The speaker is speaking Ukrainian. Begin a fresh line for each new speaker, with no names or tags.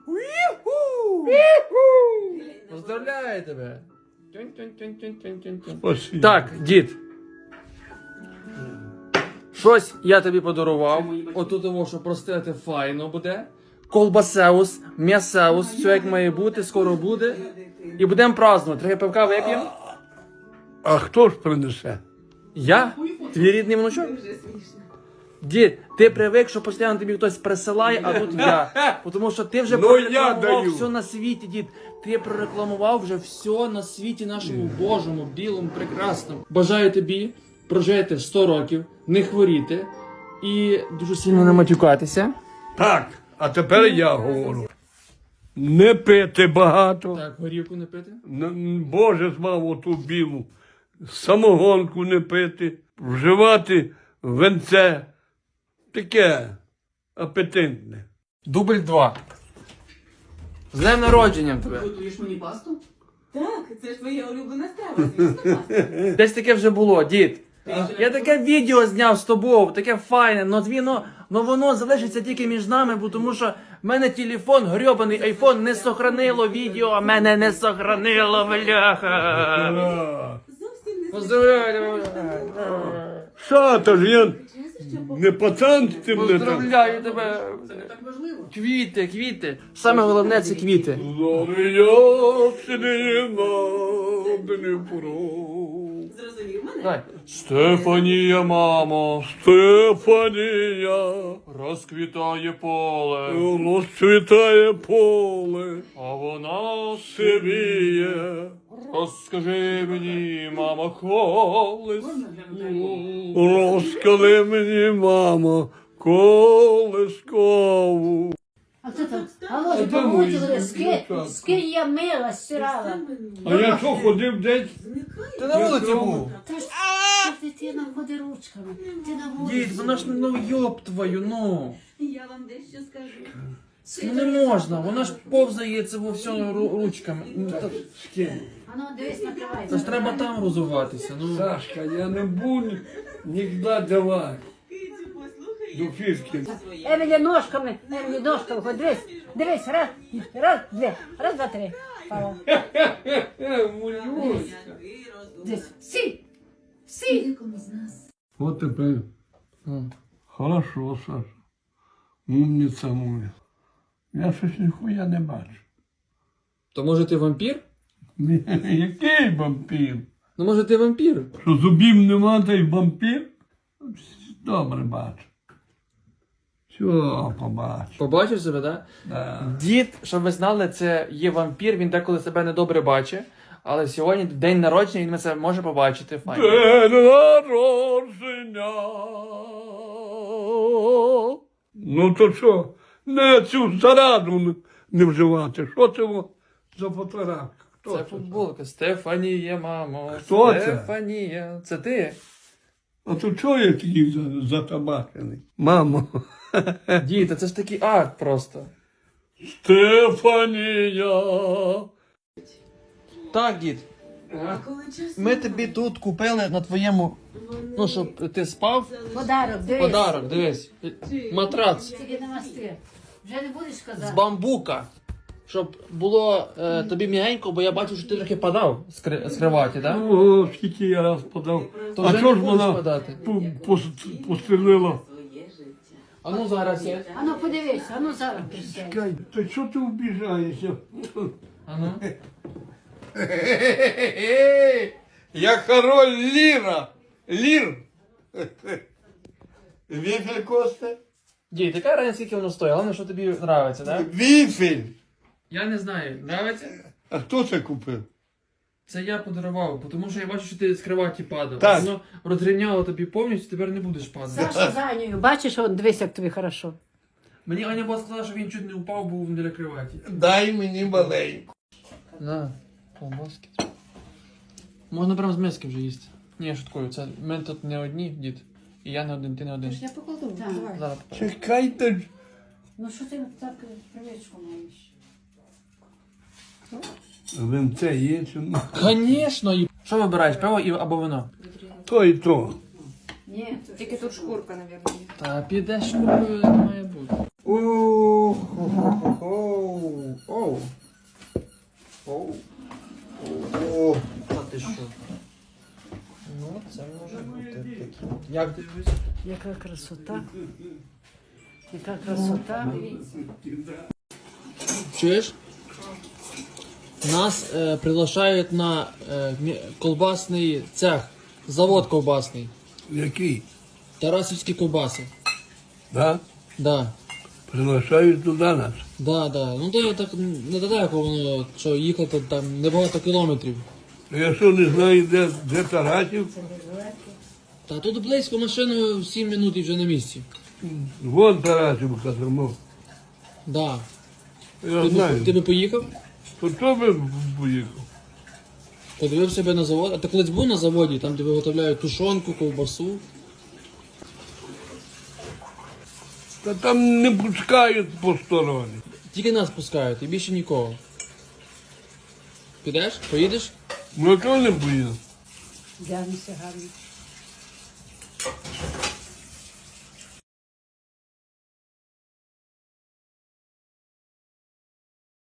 Поздравляю тебе.
Спасибо.
Так, дід. Щось я тобі подарував. Отут того, що простити файно буде. Колбасеус, м'ясеус, все як має бути, скоро буде. І будемо празднувати. Трохи пивка вип'ємо.
А хто ж принесе?
Я? Твій рідний внучок? Дід, ти привик, що постійно тобі хтось присилає, а тут я. Тому що ти вже
Ну, я
прорекламував
даю.
все на світі, дід. Ти прорекламував вже все на світі нашому Божому, білому, прекрасному. Бажаю тобі прожити 100 років, не хворіти і дуже сильно не матюкатися.
Так, а тепер я говорю. Не пити багато.
Так, горівку не пити.
Боже звав оту білу. Самогонку не пити. Вживати венце. Таке апетитне.
Дубль 2. З днем народженням тебе.
Готуєш мені пасту? Так, це ж твоя улюблена страва, звісно, паста.
Десь таке вже було, дід. Я таке відео зняв з тобою, таке файне, но воно залишиться тільки між нами, бо тому що в мене телефон, грьобаний айфон, не сохранило відео, а мене не сохранило, бляха.
Зовсім не
Поздравляю,
Що то ж я не пацан з тим не так.
поздравляю тебе.
Це не так важливо.
Квіти, квіти. Саме головне це квіти.
Зрозумів мене?
Давай. Стефанія, мамо,
Стефанія,
розквітає поле,
розцвітає поле,
а вона
сивіє.
розкажи мені, мамо, колись.
Можна глянути?
Розкали мені, мамо, колискову.
А хто там? Алло, помучили, скинь я мила, стирала.
А я що, ходив десь?
Ти на вулиці був.
Та ж дитина ходи ручками. Ти на
Дід,
вулиці.
вона ж, ну, йоб твою, ну.
Я вам дещо скажу.
Ну не можна, вона ж повзає це во всьому ручками. Ну,
А ну, дивись,
Це
накривайся.
ж треба там розуватися, ну.
Сашка, я не буду нікуди давати.
Кицю, послухай.
До фішки.
Емілі ножками, ходи, дивись, раз, дві, раз, два, три. Пала. Дивись, сі.
От тепер. Хорошо, Саша. Умниця моя. Я щось ніхуя не бачу.
То може ти вампір?
Який вампір?
Ну може ти вампір?
Що зубів нема, та й вампір? Добре бачу. Все, побачу.
Побачив себе, так?
Да.
Дід, щоб ви знали, це є вампір, він деколи себе недобре бачить. Але сьогодні день народження, він це може побачити. Файно.
День народження. Ну то що? Не цю зараду не вживати. Що це за фотографія? Хто
Це футболка. Стефанія, мамо.
Хто це?
Стефанія. Це ти?
А то чого я такий затабачений? Мамо.
Дід, та це ж такий акт просто.
Стефанія.
Так, дід.
А коли час
Ми тобі тут купили на твоєму, ну, щоб ти спав.
Подарок, дивись.
Подарок, дивись. Матрац
Тільки не масти. Вже не будеш
з
казати.
бамбука. Щоб було тобі м'ягенько, бо я бачу, що ти трохи падав з криваті, так?
О, скільки я раз подав.
То
А
вже
чого
не
ж
будеш
вона
падати.
пострілила?
своє життя.
А ну зараз я.
А ну подивись, а ну зараз присядь.
Чекай, то що ти вбіжаєшся?
А ну.
Я король Ліра. Лір. Віфель Косте?
Дій, така разниця, скільки воно стоїть, головне, що тобі подобається, так?
Віфель.
Я не знаю, подобається?
А хто це купив?
Це я подарував, бо тому що я бачу, що ти з криваті падав.
Так.
Воно розрівняло тобі повністю, тепер не будеш падати.
Саша за Анею, бачиш, он, дивись, як тобі хорошо.
Мені Аня була сказала, що він чуть не упав, був біля криваті.
Дай мені маленьку.
На, колбаски. Можна прям з миски вже їсти. Ні, я шуткую, це ми тут не одні, дід. І я не один, ти не один.
Я покладу, так.
Зараз.
Чекайте ж.
Ну що ти так привичку маєш?
Винце є чи ні?
Звісно, і... Що вибираєш, пиво або вино?
То і то.
Ні,
Тільки тут шкурка, мабуть.
Та підеш, купою, не має бути.
О-хо-хо-хо.
Як тобі?
Яка красота. Яка красота.
Чуєш? Нас приглашають на колбасний цех, завод ковбасний.
Який?
Тарасівські ковбаси.
Да?
Да.
Приглашають туди нас.
Да, да. Ну то я так недалеко воно, що їхати там небагато кілометрів.
Я що не знаю, де Тарасів?
Та тут близько машиною 7 минут і вже на місці.
Вон Тарасівка тому.
Да.
Я
Ти
знаю.
би поїхав?
То хто би поїхав?
Подивив себе на завод. А ти колись був на заводі, там де виготовляють тушонку, ковбасу.
Та там не пускають посторонні.
Тільки нас пускають і більше нікого. Підеш? Поїдеш?
Ну, а чого не поїду?
Дянися гарно.